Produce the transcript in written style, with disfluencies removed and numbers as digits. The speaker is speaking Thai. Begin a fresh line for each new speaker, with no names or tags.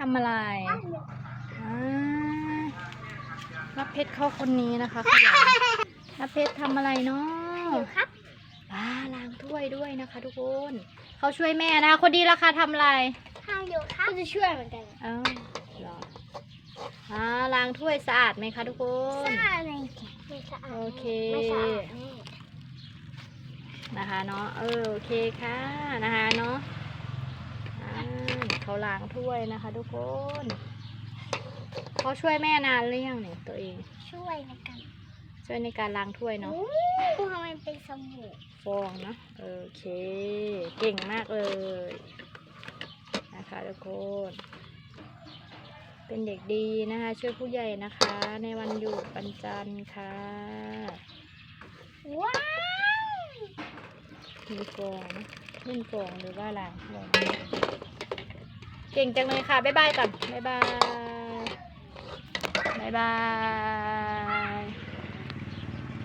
ำอะไรนับเพชรเข้าคนนี้นะคะขยันนับเพชรทำอะไรเนาะ
ครับ
ล้างถ้วยด้วยนะคะทุกคนเขาช่วยแม่นะคะคนดีราคาทำอะไร
ทำอยู่ครับก็จะช่วยเหมือนกัน
เหรอล้างถ้วยสะอาดไหมคะทุกคน
สะอาดเลยไม่สะอาด
โอเค
ไม่สะอาด
นะคะเนาะโอเคค่ะนะคะเนาะเขาล้างถ้วยนะคะทุกคนเขาช่วยแม่นานหรือยังเนี่ยตัวเอง
ช่วยใน
การล้างถ้วยเนาะ
ทำไมเป็นสบู่
ฟองเนาะโอเคเก่งมากเลยนะคะทุกคนเป็นเด็กดีนะคะช่วยผู้ใหญ่นะคะในวันหยุดวันจันทร์ค่ะ
ว้าว
มีฟองเล่นฟองหรือว่าล้างฟองเก่งจังเลยค่ะบ๊ายบายก่อนบ๊ายบาย